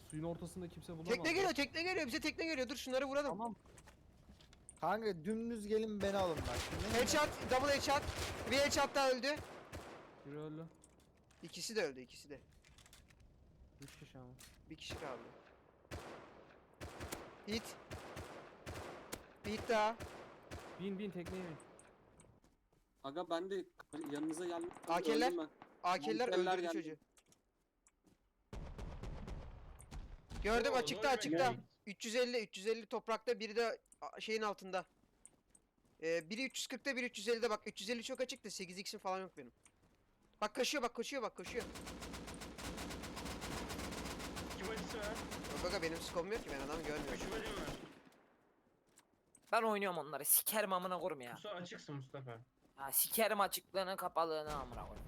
Suyun ortasında kimse bulamaz. Tekne geliyor bize tekne geliyor. Dur şunları vuralım. Tamam. Kanka dümdüz gelin beni alın bak. Ne Headshot, double headshot. Bir headshot daha öldü. Biri öldü. İkisi de öldü, ikisi de. 3 kişi ama. Bir kişi kaldı. Hit. Bir hit daha. Bin tekneye bin. Aga ben de yanınıza geldim. AK'ler. Öldüm ben. AK'liler Monsterler öldürdü geldi. çocuğu. Gördüm Oo, açıkta doğru açıkta. demek. 350 toprakta, biri de şeyin altında. Biri 340'ta, biri 350'de bak. 350 çok açıktı. 8x'im falan yok benim. Bak koşuyor, bak koşuyor, bak koşuyor. İki bacısı var. Yok aga, benim skom yok ki, ben adamı görmüyorum. Üç bacım var. Ben oynuyorum onları. Sikerim amına koyayım ya. Mustafa açıksın Mustafa. Ha sikerim açıklığını kapalığını amına koyayım.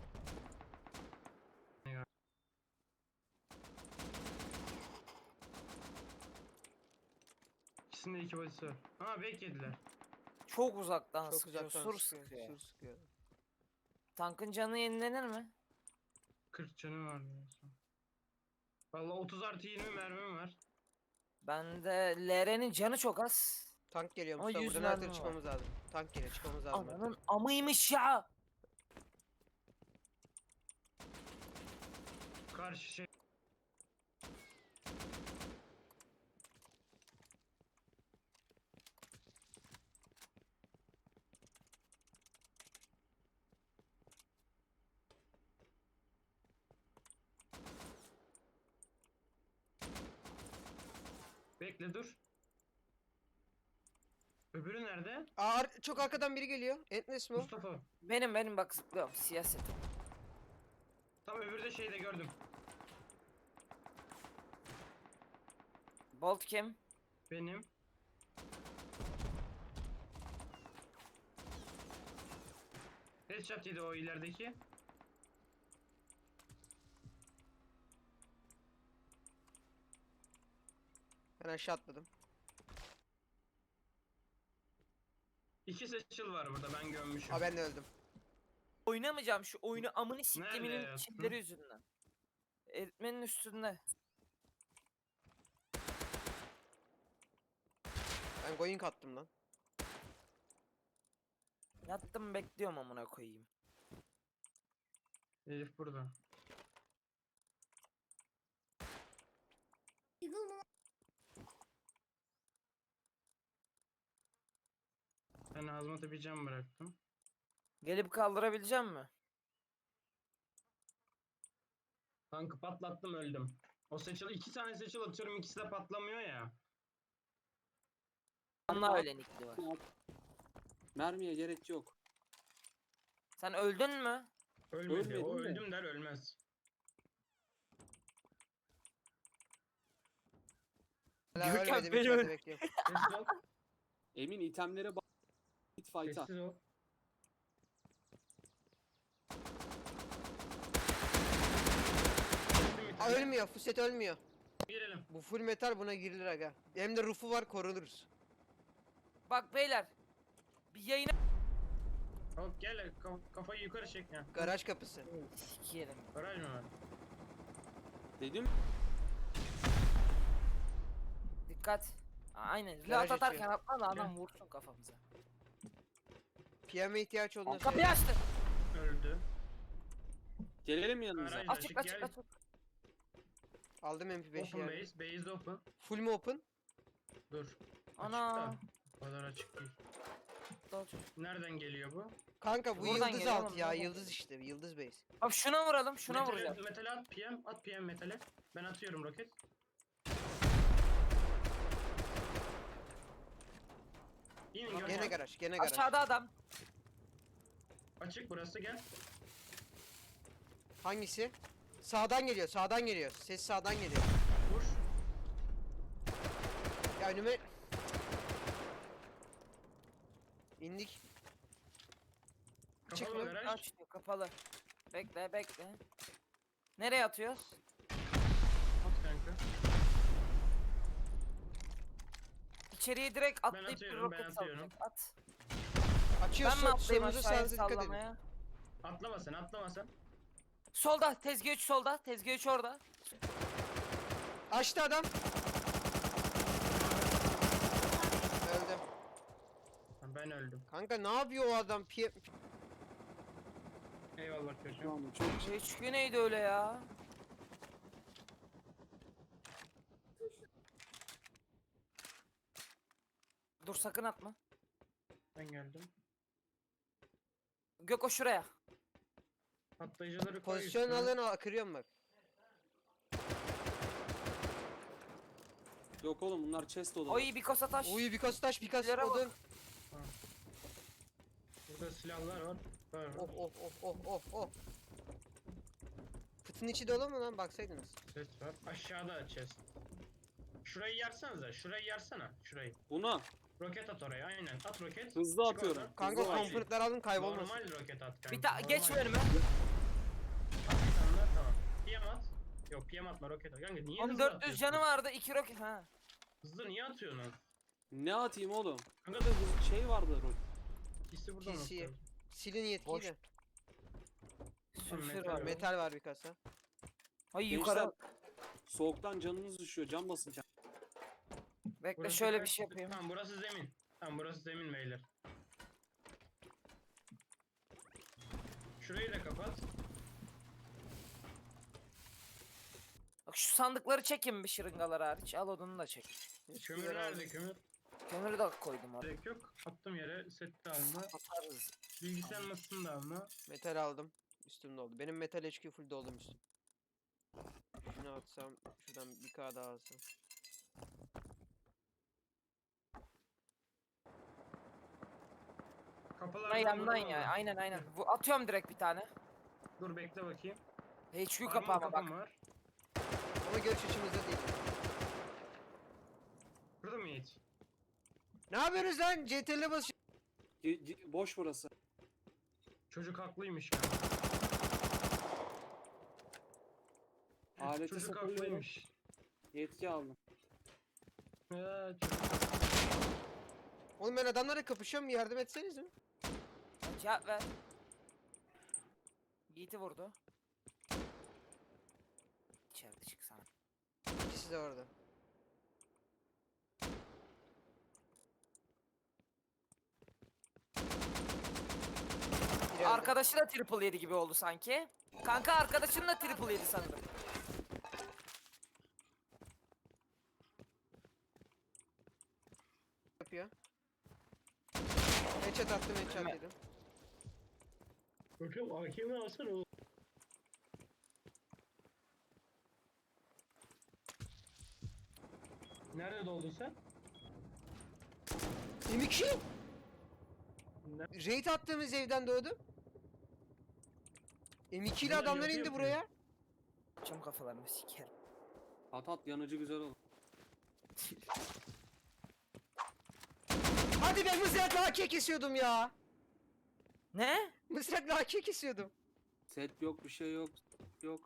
İkisinde iki bacısı var. Ha bek yediler. Çok uzaktan Çok sıkıyor. uzaktan Sur sıkıyor, sıkıyor. sur sıkıyor. Tankın canı yenilenir mi? 40 canım var. Valla 30 artı 20 mermim var. Bende LR'nin canı çok az. Tank geliyor Ama Mustafa, 100 buradan her mermi türlü var. çıkmamız lazım. Tank geliyor, çıkmamız lazım. Ananın amıymış ya. Karşı şey. Bekle dur. Öbürü nerede? Çok arkadan biri geliyor. Endless mi o? Mustafa. Benim bak zıplıyorum siyaset. Tam öbürü de şeyde gördüm. Bolt kim? Benim. Headshot yedi o ilerideki. Ben aşağı atladım. İki seçil var burada ben gömmüşüm. Aa, ben de öldüm. Oynamayacağım şu oyunu amını Nerede siktiminin yaptın? çilleri yüzünden. Eritmenin üstünde. Ben going attım lan. Yattım bekliyorum amına koyayım. Elif burada. Ben hazmata bir cam bıraktım. Gelip kaldırabileceğim mi? Tankı patlattım öldüm. O seçil iki tane seçil atıyorum ikisi de patlamıyor ya. Onunla öyle nickli var. Mermiye gerek yok. Sen öldün mü? Ölmedi. O Ölmedi mi? öldüm der ölmez. Hala Görkem ölmedim, beni içeride öl- bekliyorum. Sessiz ol. Emin itemlere bak. Hit fight'a. Sessiz ol. Aa, ölmüyor, Fuset ölmüyor. Girelim. Bu full metal, buna girilir aga. Hem de rufu var, korunuruz. Bak beyler. Bir yayına... Hop gel kafayı yukarı çek ya. Garaj kapısı. Sikerim. Garaj mı var? Dedim. Dikkat. Aynen. Garaj Reload atarken açıyor. atma da adam Gel. vursun kafamıza. PM'e ihtiyaç olduğunda Kapıyı söyle. açtı. Öldü. Gelelim yanınıza. Garaj. Açık açık Gel. açık. Aldım MP5'i Open yani. base. Base open. Full mu open? Dur. Ana. Açık da. O kadar açık değil. Nereden geliyor bu? Kanka bu Buradan yıldız geliyor altı oğlum, ya, buradan. yıldız işte, yıldız base. Abi şuna vuralım, şuna vuracağım. Metale at PM. At PM metale. Ben atıyorum roket. İnin Gene Görkem. garaj, gene garaj. Aşağıda adam. Açık burası gel. Hangisi? Sağdan geliyor, sağdan geliyor. Ses sağdan geliyor. Vur. Ya önüme... İndik. Kapalı Çıkma. garaj. Aç kapalı. Bekle bekle. Nereye atıyoruz? At kanka. İçeriye direkt atlayıp bir atıyorum, ben roket atıyorum. salacak. At. Açıyor, Ben mi atlayayım solunuza aşağıya sağınıza dikkat edin. sallamaya? Atlama sen atlama sen. Solda tezgah 3 solda. Tezgah 3 orada. Açtı adam. Öldüm. Ben öldüm. Kanka ne yapıyor o adam? Eyvallah Şu çocuğum. anda çok HQ neydi öyle ya? Dur sakın atma. Ben geldim. Göko şuraya. Patlayıcıları koy Pozisyon üstüne. alın, kırıyorum bak. yok oğlum, bunlar chest odaları. Oy bir kasa taş. Uy birkaç taş, birkaç Silahlara bak. odun. Burada silahlar var. Var. Oh oh oh oh oh oh. Fıtın içi dolu mu lan, baksaydınız. Ses var. Aşağıda chest. Şurayı yarsanıza. Şurayı yarsana. Şurayı. Buna Roket at oraya. Aynen. At roket. hızlı Çık atıyorum. oradan. Kanka Hızlı atayım. komponentler alın, kaybolmasın. Normal roket at kanka. Bir daha geç normal. önüme. At bir tane daha, tamam. PM at. Yok PM atma roket at. Kanka niye Onun hızlı 400 atıyorsun? canı vardı 2 roket ha. Hızlı niye atıyorsun? Ne atayım oğlum? Kanka Burada bir şey vardı. ikisi burada mı? TC. Silin yetkiyi Boş. de. Sülfür metal var. yok. Metal var bir kasa. Ay Gençler, yukarı. soğuktan canınız düşüyor. Can basın can. Bekle Burası şöyle kaç- bir şey yapayım. Tamam burası zemin. Tamam burası zemin beyler. Şurayı da kapat. Bak şu sandıkları çekin bir şırıngalar hariç. Al odunu da çek. Kömür nerede kömür? Kömürü de koydum oraya. Gerek yok. Attım yere. Set de alma. Atarız. Bilgisayar masasını da alma. Metal aldım. Üstüm doldu. Benim metal HQ full doldum üstüm. Şunu atsam, şuradan bir K daha alsam. Kapılar Buna yandan ya. Aynen aynen. Bu atıyorum direkt bir tane. Dur bekle bakayım. HQ Armor kapağıma bak. kapım var. Ama görüş açımızda değil. Burada mı Yiğit? Ne yapıyorsunuz lan? CTRL'e bas. Boş burası. Çocuk haklıymış ya. Aleti Çocuk sıfırlıyorum. haklıymış. Yetki aldım. Çocuk. Oğlum ben adamlarla kapışıyorum, yardım etseniz mi? Cevap ver. Yiğit'i vurdu. İçeride çık sana. İkisi de orada. Biri öldü. Arkadaşı da triple yedi gibi oldu sanki. Kanka arkadaşın da triple yedi sanırım. Yapıyor. Headshot attım, headshot Ölme. dedim. Bakın AKM'i alsana oğlum. Nerede doldun sen? M2! Ne? Raid attığımız evden doğdum. M2 ile Bunlar adamlar yapı indi yapıyor. buraya. Çam kafalarını sikerim. At yanıcı güzel olur. Hadi ben mızrakla AK kesiyordum ya. Ne? Mızrakla AK kesiyordum. Set yok, bir şey yok. Yok.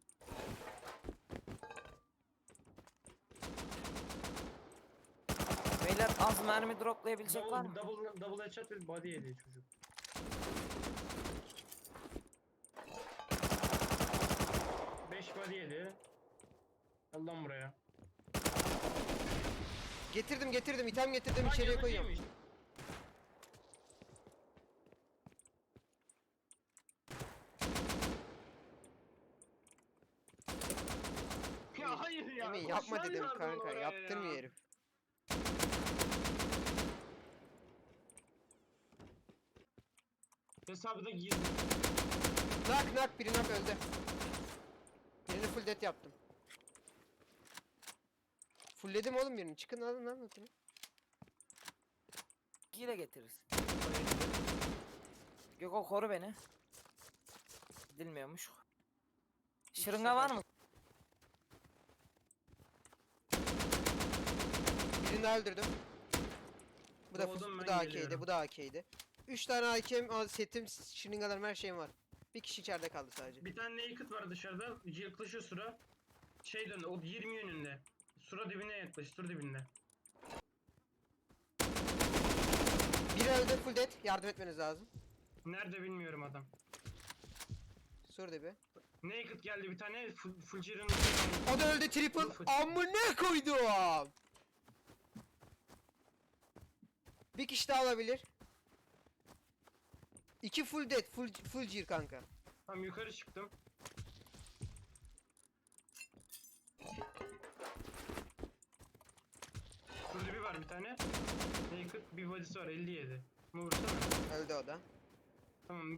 Beyler az mermi droplayabilecek var mı? Double headshot ve body yedi çocuk. Beş body yedi. Al lan buraya. Getirdim getirdim, item getirdim, Lan içeriye koyuyorum. yanıcıymış. Ya hayır ya. Emin yapma koşman dedim lazım kanka, oraya yaptırmıyor ya. herif. Hesabı da girdi. Nak biri nak öldü. Birini full death yaptım. Fullledim oğlum birini, çıkın alın lan bakayım. Hile getiririz. Göko koru beni. Gidilmiyormuş. Şırınga var mı? Birini daha öldürdüm. Bu da Doğdum, bu ben da AK'ydi, geliyorum. bu da AK'ydi. 3 tane AK'm, setim, şırıngalarım, her şeyim var. Bir kişi içeride kaldı sadece. Bir tane naked var dışarıda. Yaklaşıyor Sura. Şey dön, o 20 yönünde. Sura dibine yaklaş, sur dibinde. Biri öldü, full dead. Yardım etmeniz lazım. Nerede bilmiyorum adam. Sur dibi. Naked geldi bir tane. Full Gear'ın. O da öldü triple. Amına koydum. Bir kişi daha alabilir. 2 full dead, full gear kanka. Tamam yukarı çıktım. Şurada bir var bir tane. Naked bir body'si var 57. Bunu vursana. Öldü o da. Tamam